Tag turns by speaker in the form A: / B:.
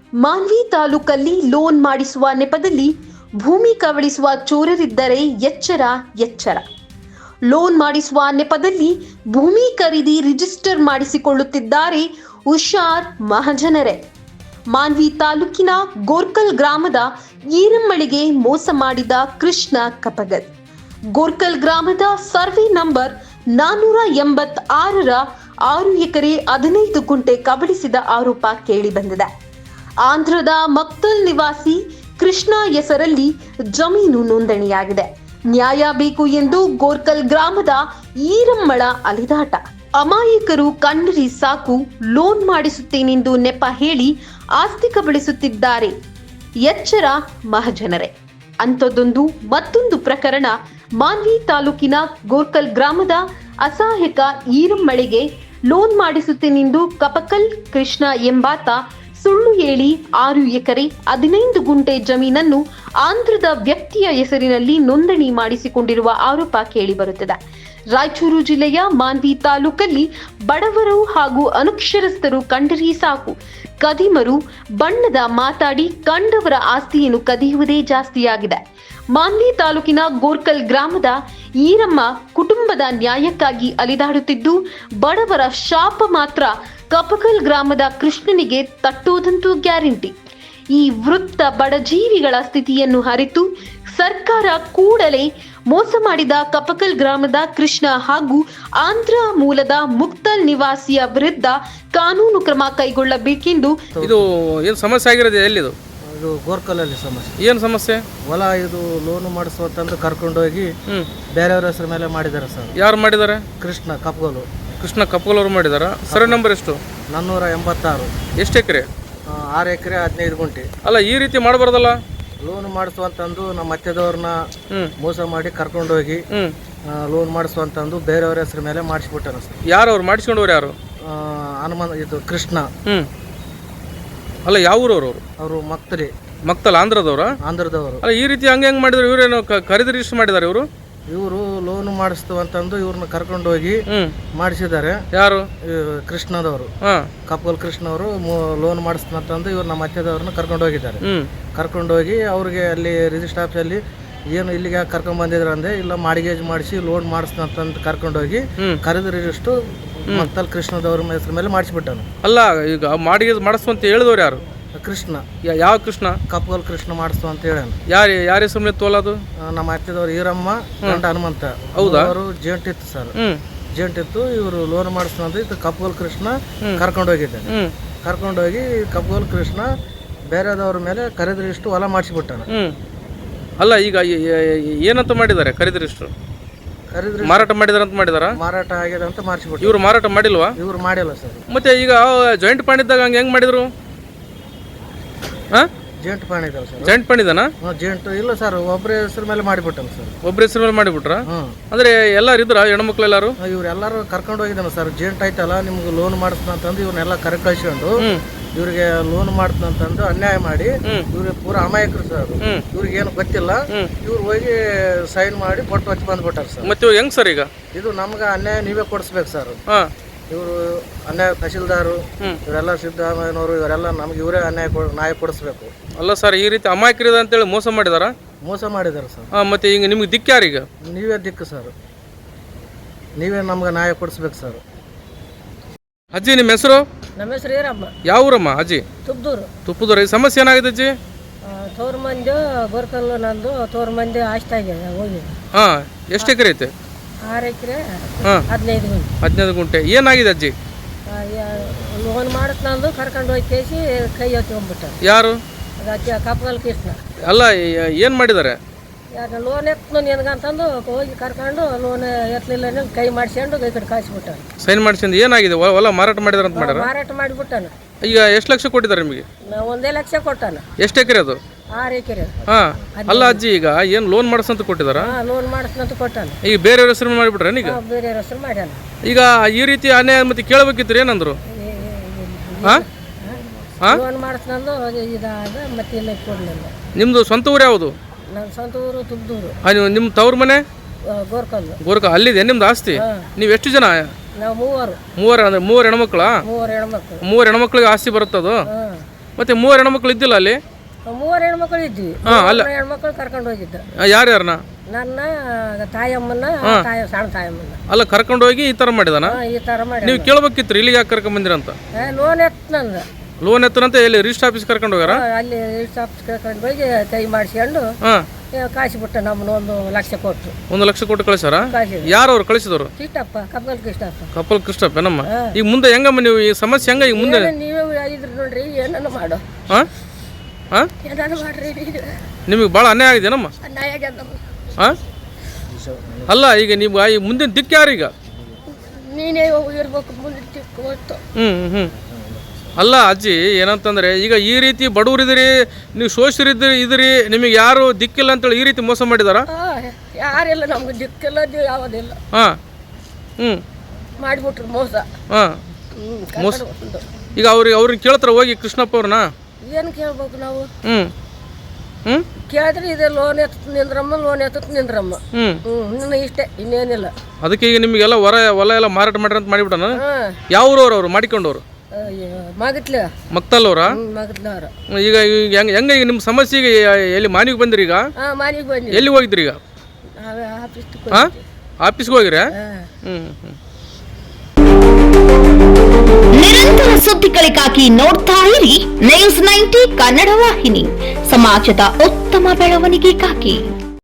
A: ಮಾನ್ವಿ ತಾಲೂಕಲ್ಲಿ ಲೋನ್ ಮಾಡಿಸುವ ನೆಪದಲ್ಲಿ ಭೂಮಿ ಕಬಳಿಸುವ ಚೋರರಿದ್ದರೆ ಎಚ್ಚರ ಎಚ್ಚರ. ಲೋನ್ ಮಾಡಿಸುವ ನೆಪದಲ್ಲಿ ಭೂಮಿ ಖರೀದಿ ರಿಜಿಸ್ಟರ್ ಮಾಡಿಸಿಕೊಳ್ಳುತ್ತಿದ್ದಾರೆ ಹುಷಾರ್ ಮಹಾಜನರೇ. ಮಾನ್ವಿ ತಾಲೂಕಿನ ಗೋರ್ಕಲ್ ಗ್ರಾಮದ ಈರಮ್ಮಳಿಗೆ ಮೋಸ ಮಾಡಿದ ಕೃಷ್ಣ ಕಪಗಲ್. ಗೋರ್ಕಲ್ ಗ್ರಾಮದ ಸರ್ವೆ ನಂಬರ್ 486ರ 6 ಎಕರೆ 15 ಗುಂಟೆ ಕಬಳಿಸಿದ ಆರೋಪ ಕೇಳಿಬಂದಿದೆ. ಆಂಧ್ರದ ಮಕ್ತಲ್ ನಿವಾಸಿ ಕೃಷ್ಣ ಹೆಸರಲ್ಲಿ ಜಮೀನು ನೋಂದಣಿಯಾಗಿದೆ. ನ್ಯಾಯ ಬೇಕು ಎಂದು ಗೋರ್ಕಲ್ ಗ್ರಾಮದ ಈರಮ್ಮಳ ಅಲಿದಾಟ. ಅಮಾಯಕರು ಕಂಡರಿ ಸಾಕು ಲೋನ್ ಮಾಡಿಸುತ್ತೇನೆಂದು ನೆಪ ಹೇಳಿ ಆಸ್ತಿ ಕಬಳಿಸುತ್ತಿದ್ದಾರೆ. ಎಚ್ಚರ ಮಹಾಜನರೇ. ಅಂಥದ್ದೊಂದು ಮತ್ತೊಂದು ಪ್ರಕರಣ ಮಾನ್ವಿ ತಾಲೂಕಿನ ಗೋರ್ಕಲ್ ಗ್ರಾಮದ ಅಸಹಾಯಕ ಈರಮ್ಮಳಿಗೆ ಲೋನ್ ಮಾಡಿಸುತ್ತೇನೆಂದು ಕಪಕಲ್ ಕೃಷ್ಣ ಎಂಬಾತ ಸುಳ್ಳು ಹೇಳಿ 6 ಎಕರೆ 15 ಗುಂಟೆ ಜಮೀನನ್ನು ಆಂಧ್ರದ ವ್ಯಕ್ತಿಯ ಹೆಸರಿನಲ್ಲಿ ನೋಂದಣಿ ಮಾಡಿಸಿಕೊಂಡಿರುವ ಆರೋಪ ಕೇಳಿಬರುತ್ತದೆ. ರಾಯಚೂರು ಜಿಲ್ಲೆಯ ಮಾನ್ವಿ ತಾಲೂಕಲ್ಲಿ ಬಡವರು ಹಾಗೂ ಅನಕ್ಷರಸ್ಥರು ಕಂಡರೆ ಸಾಕು ಕದಿಮರು ಬಣ್ಣದ ಮಾತಾಡಿ ಕಂಡವರ ಆಸ್ತಿಯನ್ನು ಕದಿಯುವುದೇ ಜಾಸ್ತಿಯಾಗಿದೆ. ಮಾನ್ವಿ ತಾಲೂಕಿನ ಗೋರ್ಕಲ್ ಗ್ರಾಮದ ಈರಮ್ಮ ಕುಟುಂಬದ ನ್ಯಾಯಕ್ಕಾಗಿ ಅಲಿದಾಡುತ್ತಿದ್ದು, ಬಡವರ ಶಾಪ ಮಾತ್ರ ಕಪಕಲ್ ಗ್ರಾಮದ ಕೃಷ್ಣನಿಗೆ ತಟ್ಟೋದಂತೂ ಗ್ಯಾರಂಟಿ. ಈ ವೃತ್ತ ಬಡಜೀವಿಗಳ ಸ್ಥಿತಿಯನ್ನು ಅರಿತು ಸರ್ಕಾರ ಕೂಡಲೇ ಮೋಸ ಮಾಡಿದ ಕಪಕಲ್ ಗ್ರಾಮದ ಕೃಷ್ಣ ಹಾಗೂ ಆಂಧ್ರ ಮೂಲದ ಮುಕ್ತಲ್ ನಿವಾಸಿಯ ವಿರುದ್ಧ ಕಾನೂನು ಕ್ರಮ ಕೈಗೊಳ್ಳಬೇಕೆಂದು.
B: ಇದು ಏನು ಸಮಸ್ಯೆ ಆಗಿರೋದು? ಎಲ್ಲಿದು?
C: ಇದು ಗೋರ್ಕಲಲ್ಲಿ ಸಮಸ್ಯೆ.
B: ಏನು ಸಮಸ್ಯೆ?
C: ಹೊಲ ಇದು ಲೋನು ಮಾಡಿಸುವಂತಂದು ಕರ್ಕೊಂಡೋಗಿ ಬೇರೆಯವ್ರ ಹೆಸರು ಮೇಲೆ ಮಾಡಿದ್ದಾರೆ ಸರ್.
B: ಯಾರು ಮಾಡಿದ್ದಾರೆ?
C: ಕೃಷ್ಣ ಕಪ್ಗೋಲು.
B: ಕೃಷ್ಣ ಕಪಕಲ್ ಅವರು ಮಾಡಿದಾರ. ಸರ್ವೆ ನಂಬರ್ ಎಷ್ಟು?
C: 486.
B: ಎಷ್ಟು ಎಕರೆ?
C: 6 ಎಕರೆ 15 ಗುಂಟೆ.
B: ಅಲ್ಲ, ಈ ರೀತಿ ಮಾಡಬಾರ್ದಲ್ಲ.
C: ಲೋನ್ ಮಾಡಿಸುವಂತಂದು ನಮ್ಮ ಅತ್ತೆದವ್ರನ್ನ ಮೋಸ ಮಾಡಿ ಕರ್ಕೊಂಡೋಗಿ ಲೋನ್ ಮಾಡಿಸುವಂತಂದು ಬೇರೆಯವ್ರ ಹೆಸರು ಮೇಲೆ ಮಾಡಿಸ್ಬಿಟ್ಟಾನ ಸರ್.
B: ಯಾರು ಅವ್ರು ಮಾಡಿಸ್ಕೊಂಡವ್ರು? ಯಾರು?
C: ಹನುಮಂತ ಇದು ಕೃಷ್ಣ.
B: ಅಲ್ಲ, ಯಾವ ಊರವ್ರು?
C: ಅವರು ಮಕ್ತರಿ
B: ಮಕ್ತಲ್ ಆಂಧ್ರದವ್ರ?
C: ಆಂಧ್ರದವರು.
B: ಅಲ್ಲ, ಈ ರೀತಿ ಹೆಂಗ್ ಮಾಡಿದ್ರು? ಇವ್ರೇನು ಖರೀದಿ ರಿಜಿಸ್ಟರ್ ಮಾಡಿದಾರೆ ಇವರು?
C: ಇವರು ಲೋನ್ ಮಾಡಿಸ್ತವಂತಂದು ಇವ್ರನ್ನ ಕರ್ಕೊಂಡೋಗಿ ಮಾಡಿಸಿದ್ದಾರೆ.
B: ಯಾರು?
C: ಕೃಷ್ಣದವರು, ಕಪಕಲ್ ಕೃಷ್ಣವರು ಲೋನ್ ಮಾಡಿಸ್ತಂತಂದು ಇವ್ರು ನಮ್ಮ ಅತ್ತೆದವ್ರನ್ನ ಕರ್ಕೊಂಡು ಹೋಗಿದ್ದಾರೆ. ಕರ್ಕೊಂಡೋಗಿ ಅವ್ರಿಗೆ ಅಲ್ಲಿ ರಿಜಿಸ್ಟರ್ ಆಫೀಸಲ್ಲಿ ಏನು ಇಲ್ಲಿಗೆ ಕರ್ಕೊಂಡ್ ಬಂದಿದ್ರು ಅಂದ್ರೆ, ಇಲ್ಲ ಮಾಡಿಗೇಜ್ ಮಾಡಿಸಿ ಲೋನ್ ಮಾಡಿಸ್ತಂತಂದು ಕರ್ಕೊಂಡೋಗಿ ಖರೀದಿ ರಿಜಿಸ್ಟರ್ ಮಕ್ತಲ್ ಕೃಷ್ಣದವ್ರ ಹೆಸರು ಮೇಲೆ ಮಾಡಿಸ್ಬಿಟ್ಟಾನು.
B: ಅಲ್ಲ, ಈಗ ಮಾಡಿಗೇಜ್ ಮಾಡಿಸುವಂತ ಹೇಳಿದವ್ರು ಯಾರು?
C: ಕೃಷ್ಣ.
B: ಯಾವ ಕೃಷ್ಣ?
C: ಕಪಕಲ್ ಕೃಷ್ಣ ಮಾಡಿಸ್ತು ಅಂತ ಹೇಳ.
B: ಯಾರ ಹೆಸರು ಮೇಲೆ ತೋಲದು? ನಮ್ಮ
C: ಅತ್ತೆದವ್ರು ಈರಮ್ಮ ಗಂಡ ಹನುಮಂತ.
B: ಹೌದಾ?
C: ಅವರು ಜೇಂಟ್ ಇತ್ತು ಸರ್. ಜೇಂಟ್ ಇತ್ತು. ಇವರು ಲೋನ್ ಮಾಡಿಸ್ತಂತ ಇದು ಕಪಕಲ್ ಕೃಷ್ಣ ಕರ್ಕೊಂಡೋಗಿದ್ದಾರೆ. ಕರ್ಕೊಂಡೋಗಿ ಕಪಕಲ್ ಕೃಷ್ಣ ಬೇರೆದವ್ರ ಮೇಲೆ ಖರೀದಿ ರಿಜಿಸ್ಟರ್ ಹೊಲ ಮಾಡಿಸ್ಬಿಟ್ಟಾನ.
B: ಅಲ್ಲ, ಈಗ ಏನಂತ ಮಾಡಿದ್ದಾರೆ? ಖರೀದಿ ರಿಜಿಸ್ಟರ್ ಮಾರಾಟ ಮಾಡಿದಾರೆ ಅಂತ ಮಾಡಿದಾರ?
C: ಮಾರಾಟ ಆಗಿದೆ ಅಂತ ಮಾಡಿಸ್ಬಿಟ್ಟು.
B: ಇವ್ರು ಮಾರಾಟ ಮಾಡಿಲ್ವಾ?
C: ಇವ್ರು ಮಾಡಿಲ್ಲ ಸರ್.
B: ಮತ್ತೆ ಈಗ ಜಾಯಿಂಟ್ ಫಂಡ್ ಇದ್ದಾಗ ಹಂಗೆ ಹೆಂಗ್ ಮಾಡಿದ್ರು?
C: ಜೇಂಟ್ ಫಂಡ್ ಇದಾವೆ ಸರ್.
B: ಜಾಯಿಂಟ್ ಫಂಡ್ ಇದನಾ?
C: ಜೇಂಟ್ ಇಲ್ಲ ಸರ್, ಒಬ್ಬರ ಹೆಸರು ಮೇಲೆ ಮಾಡಿಬಿಟ್ಟನು ಸರ್.
B: ಒಬ್ಬರ ಹೆಸರು ಮೇಲೆ ಮಾಡಿಬಿಟ್ರ? ಅಂದ್ರೆ ಎಲ್ಲಾರು ಇದ್ರ ಹೆಣ್ಮಕ್ಳು ಎಲ್ಲಾರು?
C: ಇವ್ರೆಲ್ಲಾರು ಕರ್ಕೊಂಡು ಹೋಗಿದ್ದಾನೆ ಸರ್. ಜೇಂಟ್ ಆಯ್ತಲ್ಲ, ನಿಮ್ಗೆ ಲೋನ್ ಮಾಡಿಸ್ತಂತಂದು ಇವ್ರನ್ನೆಲ್ಲ ಕರೆ ಕಳ್ಸ್ಕೊಂಡು ಇವ್ರಿಗೆ ಲೋನ್ ಮಾಡ್ತಂತಂದು ಅನ್ಯಾಯ ಮಾಡಿ ಇವ್ರಿಗೆ ಪೂರಾ ಅಮಾಯಕರು ಸರ್. ಇವ್ರಿಗೆ ಏನು ಗೊತ್ತಿಲ್ಲ. ಇವ್ರು ಹೋಗಿ ಸೈನ್ ಮಾಡಿ ಕೊಟ್ಟು ಹಚ್ಚಿ ಬಂದ್ಬಿಟ್ಟಾರ ಸರ್.
B: ಮತ್ತೆ ಹೆಂಗ್ ಸರ್ ಈಗ
C: ಇದು ನಮ್ಗೆ ಅನ್ಯಾಯ ನೀವೇ ಕೊಡಿಸ್ಬೇಕು ಸರ್. ಇವರು ಅನ್ಯಾಯ ತಹಶೀಲ್ದಾರು ಇವರೆಲ್ಲ ಸಿದ್ದರಾಮಯ್ಯನವರು ಇವರೆಲ್ಲ ನಮ್ಗೆ ಇವರೇ ನ್ಯಾಯ ಕೊಡಿಸ್ಬೇಕು.
B: ಅಲ್ಲ ಸರ್, ಈ ರೀತಿ ಅಮಾಯಕರಿದ ಅಂತೇಳಿ ಮೋಸ ಮಾಡಿದಾರ?
C: ಮೋಸ ಮಾಡಿದಾರೆ ಸರ್.
B: ಮತ್ತೆ ಈಗ ನಿಮ್ಗೆ ದಿಕ್ಕ ಯಾರೀಗ?
C: ನೀವೇ ದಿಕ್ಕು ಸರ್. ನೀವೇ ನಮ್ಗೆ ನ್ಯಾಯ ಕೊಡಿಸ್ಬೇಕು ಸರ್.
B: ಅಜ್ಜಿ, ನಿಮ್ಮ ಹೆಸರು?
D: ನಮ್ಮ ಹೆಸರು ಈರಮ್ಮ.
B: ಯಾವ ಊರಮ್ಮ ಅಜ್ಜಿ? ತುಪ್ಪದೂರು. ಈ ಸಮಸ್ಯೆ ಏನಾಗಿದೆ ಅಜ್ಜಿ?
D: ತೋರ್ ಮಂದಿ ಗೋರ್ಕಲ್ ನಂದು ತೋರ್ ಮಂದಿ ಆಸ್ತಿ ಆಗಿದೆ ಹೋಗಿ.
B: ಎಷ್ಟು ಎಕರೆ ಐತೆ?
D: 6 ಎಕರೆ 15 ಗುಂಟೆ.
B: 15 ಗುಂಟೆ. ಏನಾಗಿದೆ ಅಜ್ಜಿ?
D: ಲೋನ್ ಮಾಡಿಸ್ನಂದು ಕರ್ಕೊಂಡು ಹೋಗಿ ಕೇಸಿ ಕೈ ಎತ್ಕೊಂಡ್ಬಿಟ್ಟ.
B: ಯಾರು?
D: ಕಪಕಲ್ ಕೃಷ್ಣ.
B: ಅಲ್ಲ, ಏನ್ ಮಾಡಿದ್ದಾರೆ?
D: ಯಾಕೆ ಲೋನ್ ಎತ್ತು ನಿನಗಂತಂದು ಹೋಗಿ ಕರ್ಕೊಂಡು ಲೋನ್ ಎತ್ತಲಿಲ್ಲ ಕೈ ಮಾಡಿಸ್ಕೊಂಡು ಈ ಕಡೆ ಕಾಯಿಸ್ಬಿಟ್ಟ.
B: ಸೈನ್ ಮಾಡಿಸ್ಕೊಂಡು ಏನಾಗಿದೆ? ಹೊಲ ಮಾರಾಟ ಮಾಡಿದಾರೆ ಅಂತ ಮಾಡ್ಯಾರ?
D: ಮಾರಾಟ ಮಾಡಿಬಿಟ್ಟಾನ.
B: ಈಗ ಎಷ್ಟು ಲಕ್ಷ ಕೊಟ್ಟಿದ್ದಾರೆ ನಿಮಗೆ?
D: 1 ಲಕ್ಷ ಕೊಟ್ಟಾನ.
B: ಎಷ್ಟು ಎಕರೆ ಅದು?
D: 6 ಎಕರೆ.
B: ಅಲ್ಲ ಅಜ್ಜಿ, ಈಗ ಏನ್ ಲೋನ್ ಮಾಡಿಸಂತ ಕೊಟ್ಟಿದಾರ?
D: ಲೋನ್ ಮಾಡಿಸ್ನಂತ ಕೊಟ್ಟಾನ.
B: ಈಗ ಬೇರೆಯವ್ರ ಹೆಸರು ಮಾಡಿಬಿಟ್ರೆ? ಈಗ
D: ಬೇರೆಯವ್ರ ಹೆಸರು ಮಾಡ್ಯಾನ.
B: ಈಗ ಈ ರೀತಿ ಅನ್ಯಾಯ ಮತ್ತೆ ಕೇಳಬೇಕಿತ್ತು, ಏನಂದ್ರು?
D: ಲೋನ್ ಮಾಡಿಸ್ನಂದು ಇದಾದ ಮತ್ತೆ ಇಲ್ಲ ಕೊಡ್ಲಿಲ್ಲ.
B: ನಿಮ್ದು ಸ್ವಂತ ಊರು ಯಾವುದು?
D: ನನ್ನ ಸ್ವಂತ ಊರು ತುಬ್ದೂರು.
B: ನಿಮ್ಮ ತವ್ರ ಮನೆ
D: ಗೋರ್ಕಲ್.
B: ಅಲ್ಲಿದೆ ನಿಮ್ದು ಆಸ್ತಿ? ನೀವು ಎಷ್ಟು ಜನ?
D: ನಾವು 3.
B: ಮೂವರು ಅಂದ್ರೆ 3 ಹೆಣ್ಮಕ್ಳ?
D: 3 ಹೆಣ್ಮಕ್ಳು.
B: 3 ಹೆಣ್ಮಕ್ಳಿಗೆ ಆಸ್ತಿ ಬರುತ್ತದು? ಮತ್ತೆ 3 ಹೆಣ್ಮಕ್ಳು ಇದ್ದಿಲ್ಲ ಅಲ್ಲಿ?
D: 3 ಹೆಣ್ಮಕ್ಳು ಇದ್ವಿ. ಹೆಣ್ಮಕ್ಳು ಕರ್ಕೊಂಡು ಹೋಗಿದ್ದ.
B: ಯಾರ್ಯಾರನ್ನ?
D: ನನ್ನ ತಾಯಮ್ಮನ, ಸಣ್ಣ ತಾಯಮ್ಮನ.
B: ಅಲ್ಲ, ಕರ್ಕೊಂಡು ಹೋಗಿ ಈ ತರ ಮಾಡಿದಾನ?
D: ಈ ತರ ಮಾಡಿ
B: ನೀವು ಕೇಳ್ಬೇಕಿತ್ತು ಇಲ್ಲಿಗೆ ಯಾಕೆ ಕರ್ಕೊಂಡ್ ಬಂದಿರ ಅಂತ.
D: ಲೋನ್ ಎತ್ತನಂದ.
B: ಲೋನ್ ಎತ್ತನಂತ ಎಲ್ಲಿ ರಿಜಿಸ್ಟರ್ ಆಫೀಸ್ ಕರ್ಕೊಂಡು ಹೋಗಾರ?
D: ಅಲ್ಲಿ ರಿಜಿಸ್ಟರ್ ಆಫೀಸ್ ಕರ್ಕೊಂಡು ಹೋಗಿ ಕೈ ಮಾಡಿಸ್ಕೊಂಡು ಕಾಯಿಸಿಬಿಟ್ಟ. ನಮ್ಮನ್ನ 1 ಲಕ್ಷ ಕೊಟ್ಟು.
B: 1 ಲಕ್ಷ ಕೊಟ್ಟು ಕಳಿಸಾರ? ಯಾರು ಅವ್ರು ಕಳಿಸಿದವರು?
D: ಕೃಷ್ಣಪ್ಪ, ಕಪ್ಪಲ್ ಕೃಷ್ಣಪ್ಪ.
B: ಕಪ್ಪಲ್ ಕೃಷ್ಣಪ್ಪ ನಮ್ಮ. ಈಗ ಮುಂದೆ ಹೆಂಗಮ್ಮ ನೀವು ಈ ಸಮಸ್ಯೆ ಹೆಂಗ ಈಗ ಮುಂದೆ?
D: ನೀವೇ ಇದ್ರಿ ನೋಡ್ರಿ, ಏನನ್ನ ಮಾಡು. ಏನಾರು ಮಾಡ್ರಿ.
B: ನಿಮಗೆ ಭಾಳ ಅನ್ಯಾಯ ಆಗಿದೆ ನಮ್ಮ.
D: ಅನ್ಯಾಯ ಆಗ್ಯದ.
B: ಅಲ್ಲ, ಈಗ ನೀವು ಈ ಮುಂದಿನ ದಿಕ್ಕು ಯಾರೀಗ?
D: ನೀನೇ ಇರ್ಬೇಕು ಮುಂದಿನ ದಿಕ್ಕು ಹೊತ್ತು.
B: ಅಲ್ಲ ಅಜ್ಜಿ, ಏನಂತಂದ್ರೆ ಈಗ ಈ ರೀತಿ ಬಡವರಿದ್ದೀರಿ, ನೀವು ಶೋಷರಿದ್ದೀರಿ, ನಿಮಗೆ ಯಾರು ದಿಕ್ಕಿಲ್ಲ ಅಂತೇಳಿ ಈ ರೀತಿ ಮೋಸ ಮಾಡಿದಾರ?
D: ಯಾರಿಲ್ಲ, ನಮ್ಗೆ ದಿಕ್ಕಿಲ್ಲ, ಯಾವುದಿಲ್ಲ. ಮಾಡಿಬಿಟ್ರು ಮೋಸ.
B: ಮೋಸ. ಈಗ ಅವ್ರಿಗೆ ಕೇಳ್ತಾರ ಹೋಗಿ ಕೃಷ್ಣಪ್ಪ ಅವ್ರನ್ನ?
D: ಏನು ಕೇಳ್ಬೇಕು ನಾವು? ಕೇಳಿದ್ರೆ ಇದೆ ಲೋನ್ ಎತ್ತ ನಿಂದ್ರಮ್ಮ. ಇನ್ನು ಇಷ್ಟೇ, ಇನ್ನೇನಿಲ್ಲ.
B: ಅದಕ್ಕೆ ಈಗ ನಿಮಗೆಲ್ಲ ಹೊಲ ಎಲ್ಲ ಮಾರಾಟ ಮಾಡ್ರಿ ಅಂತ ಮಾಡಿಬಿಟ್ಟಾನ? ಯಾವ ಊರವ್ರು ಅವ್ರು ಮಾಡಿಕೊಂಡವ್ರು? ಮಕ್ತಲ್ ಅವ್ರ? ಈಗ ಹೆಂಗ ಈಗ ನಿಮ್ಮ ಸಮಸ್ಯೆಗೆ ಎಲ್ಲಿ ಮಾನಿಗೆ ಬಂದಿರಿ? ಈಗ ಎಲ್ಲಿ ಹೋಗಿದ್ರಿ? ಈಗ ಆಫೀಸ್ಗೆ ಹೋಗಿರ?
E: ನಿರಂತರ ಸುದ್ದಿಗಳಿಗಾಗಿ ನೋಡ್ತಾ ಇರಿ News 90 ಕನ್ನಡ ವಾಹಿನಿ, ಸಮಾಜದ ಉತ್ತಮ ಬೆಳವಣಿಗೆಗಾಗಿ.